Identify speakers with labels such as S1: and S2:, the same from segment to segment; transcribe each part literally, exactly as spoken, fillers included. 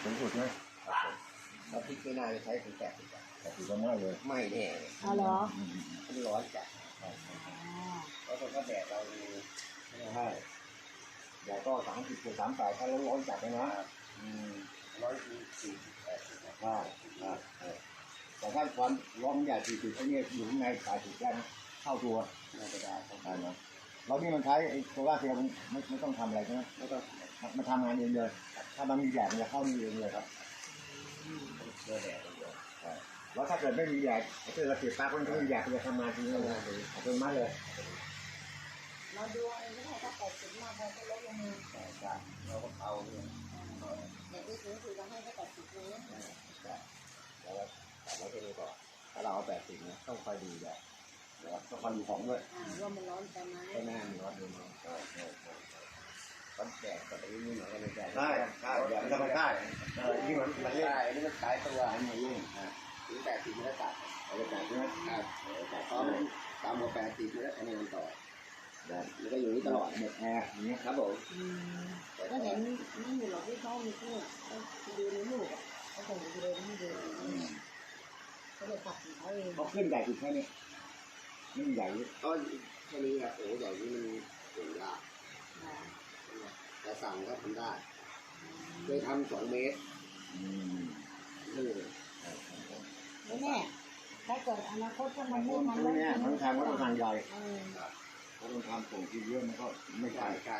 S1: สูงสุดไหม
S2: เราพริกไม่น่าจะใช้ถึงแปดสิบ
S1: แปดสิบก็ไม่เลย
S2: ไม่แน่
S3: เอาเหรอ
S2: มันร้อนจัดแล้วคนก็แดดเราไม่ใช่แดดก็สามสิบถึงสามแปดถ้าเราร้อนจัดเลยนะร้อยสี่สิบแปดสิบใช่แต่ถ้าความร้อนใหญ่สี่สิบไอ้นี่อยู่ข้างในแปดสิบได้นะเข้าตัวน่าจะได้เข้าได้นะเรานี่มันใช้ไอ้โซล่าเซลล์ไม่ไม่ต้องทำอะไรใช่ไหมไม่ต้องมันทำงานเองเลยถ้ามันมีแดดมันจะเข้านี่เองเลยครับเจอแดดเลยแล้วถ้าเกิดไม่มีแดดถ้าเกิดเราเสียบปลั๊กมันก็มีแดดมันจะทำงานจริงเลยอัตโนมัติเลย
S3: เราดูเองก็ได้ถ้าแปดสิบมากพอก็ลดลงมา
S2: ใช่ใช่เราก็เอาเนี่ย
S3: เด็กที่สูงสุดเราให้แค่แปดสิบเลย
S2: ใช่แล้วก็แต่ไว้แค่นี้ก่อนถ้าเราเอาแปดสิบเนี่ยต้องคอยดูแดดแล้วต้องคอยดูของด้วย
S3: ว่ามันร้อนไปไหม
S2: ไม่น่ามีร้อนดูมั้งใช่ใช่ใช่ร้อนแดดแต่ที่นี่เหมือนกันเลยแดด
S1: ใช่ใช่แดดมันจะไม่ได้
S2: นี่มันมันใช่นี่มันขายตัวอันนี้ยิ่งอ่าถึงแปดสิบมันก็ตัดเอาไปตัดใช่ไหมครับแต่พอมันตามมาแปดสิบมันก็อันนี้มันต่อมันก็อยู่นี่ตลอดหมดแอร์อย่างเงี้ยครับผม
S3: ก็เห็นนี่อยู่หรอกที่เขามีเพื่อนเขาดูในรูปอ่ะเขาส่งวิดีโอให้ดูเขาจะตัดของเขาเอง
S2: เขาขึ้นใหญ่ถึงแค่นี้นี่ใหญ่ก็แค่นี้อะโอ้ใหญ่นี่มันสูงยากแต่สั่งก็ทำได้เคยทำสองเมตรนี่
S3: ไม่แน่ถ้าเกิดอนาคตถ้ามันไม่มัน
S1: ไม่แน่มันทำก็ต้องทางใหญ่ถ้าต้องทำส่งที่เยอะมันก็ไม่ใช่
S2: ใช่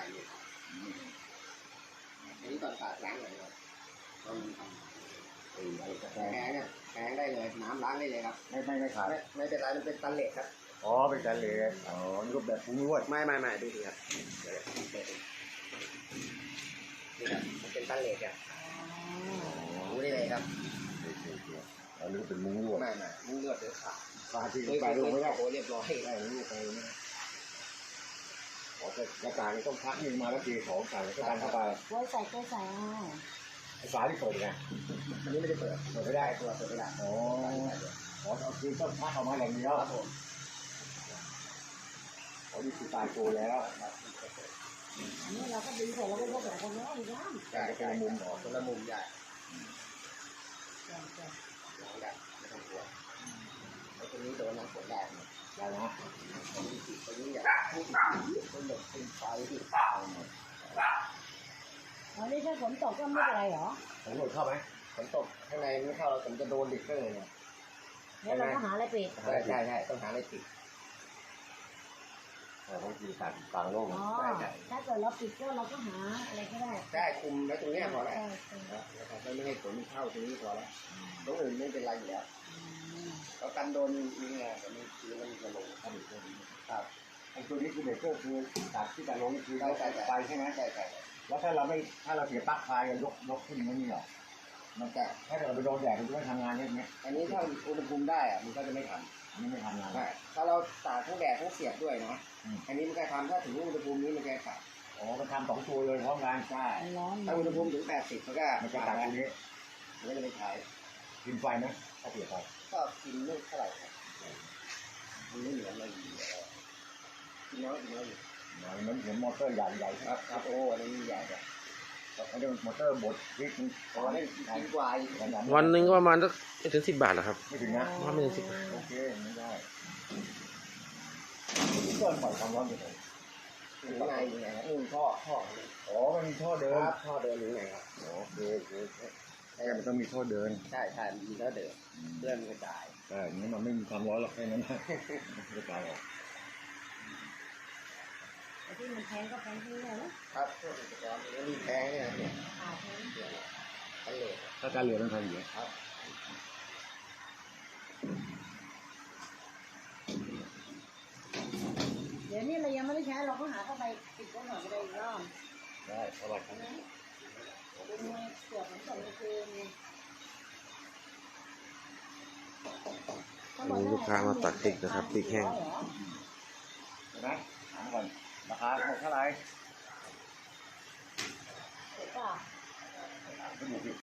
S2: อันนี้ตอนขาดล้างเลยครับต้องทำแพงเนี่ยแพงได้เลยน้ำล้างได้เลยครับ
S1: ไม่ไม่ไม่ขาย
S2: ไม่เป็นไรมันเป็นตันเหล็กครับ
S1: อ๋อเป็นตันเหล็กอ๋อนี่ก็แบบปรุงรส
S2: ไม่ไม่ไม่ดูสิครับเดี๋ยวนี่ครับมันเป็นตันเหล็กอ่ะดูได้เลยครับ
S1: อันนี้เป็นมุ้งลวด
S2: ไม่ไม่มุ้งลวดเดือดขาด
S1: ขาดที่ไปลงไม่ได้
S2: โอ้เรียบร้อยได้ลูกไปนี่
S1: อ๋อแต่กระต่ายต้องพักยิงมาแล้วตีของใส่ก็ดันเข้าไป
S3: ไว้ใส่ก็ใส่
S1: ไอ้ฝาที่เปิดไง
S2: อันนี้ไม่ได้เปิดเปิดไม่ได้ตัวเปิดไม่ได้
S1: อ๋ออ๋อเอาคือต้องพักออกมาอย่างเดียว
S2: ครับผม
S1: อ๋อนี่คือตายตัวแล้ว
S3: อันนี้เราก็ดึงใส่เราก็ยกแบบคนนี้อีกแล้ว
S2: ใช่ใช่มุมหรอคนละมุมใหญ่
S3: ใช่ใช่
S2: ได้ไม่ต้องกลัวไอ้ตัวนี้โดนน้ำฝนแรง
S1: ได้นะ
S2: ตัวนี้ตัวนี้อยากพุ่งพุ่งหลบพุ่งไฟที่ตายหมด
S3: อ๋อนี่ถ้าฝนตกก็ไม่เป็นไรเหรอ
S1: ฝนตกเข้าไหม
S2: ฝนตกข้างในไม่เข้าเราผมจะโดนดิบเลยเนี่ย
S3: แล้วเราก็หาอะไรปิด
S2: ใช่ใช่ใช่ต้องหาอะไรปิด
S1: เราต้องอยู่กลางกลางโลก
S3: อ๋อถ้าเกิดเราปิดก็เราก็หาอะไรก็ได้
S2: ได้คุมไว้ตรงนี้พอแล้วนะครับไม่ให้ฝนเข้าตรงนี้พอแล้วตรงอื่นไม่เป็นไรอยู่แล้วเรากันโดนนี่ไงแต่ไม่คือมันจะลงเข้าอีกตรงนี้ครับ
S1: ไอ้ตัวนี้คือเบรกเกอร์คือตัดที่จะลงคือเราไปใช่ไหม
S2: ใช่ใช่
S1: แล้วถ้าเราไม่ถ้าเราเสียปลั๊กไฟยกยกขึ้นไม่มีหรอมันจะถ้าเราไปโดนแดดมันจะไม่ทำงานอย่างเงี้ย
S2: อันนี้ถ้าอุณหภูมิได้อะมันก็จะไม่ทำ
S1: อันนี้ไม่ทำงาน
S2: ถ้าเราตากทั้งแดดทั้งเสียบด้วยนะอันนี้มันจะทำถ้าถึงอุณหภูมินี้มันจะตัด
S1: อ๋อมันทำสองตัวเลยพร้อมกัน
S2: ใช่ถ้าอุณหภูมิถึงแปดสิบมันก็
S1: มันจะตัดตรงนี้
S2: มันก็จะไม่ใช้
S1: กินไฟนะถ้าเสียไฟ
S2: ก็กินไม่เท่าไหร่ครับมันไม่เหมือนอะไรอยู่กินน้อยกินน้อยอยู่
S1: มันเหมือนมอเตอร์ใหญ่ใหญ่
S2: ครับครับโอ้อันนี้ใหญ่เลย
S1: อันนี้มอเตอร์บดวิก
S2: อ๋อนี่กินกว่า
S4: วันหนึ่งก็ประมาณสักไม่ถึงสิบบาทนะครับ
S1: ไม่ถึงนะ
S4: ว่าไม่ถึงสิบบาท
S1: โอเคไม่ได้เกินปล่อยความร้อนอยู่เลย
S2: อยู่ไหนอยู่ไหนครับนี่ท่อท่อ
S1: อ๋อมันมีท่อเดิน
S2: ท่อเดินอยู่ไหนครับ
S1: โอเคโอเคใช่มันต้องมีท่อเดิน
S2: ใช่ใช่มีท่อเดินเลื่อนกระจาย
S1: ใช่นี้มันไม่มีความร้อนหรอกแค่นั้นกระจายออก
S3: ที่มันแพงก็แพงที่ไหน
S2: นะครับพวกอุปกรณ์มันมีแพงเนี่ยเนี่ยกันเหลือ
S1: ถ้าการเหลือต้องทำอย่างนี้
S2: ครับ
S3: เดี๋ยวนี้เรายังไม่ได้ใช้เราก็หาเข้าไปติดก็หน่อยก็ได้อีกรอบ
S1: ได้สบายครับ
S3: ดูมือเกี่ยวกับส่วนคืน
S4: ลูกค้ามาตัดพริกนะครับพริกแห้ง
S1: เห็นไหมถามก่อนราคาเท่าไหร่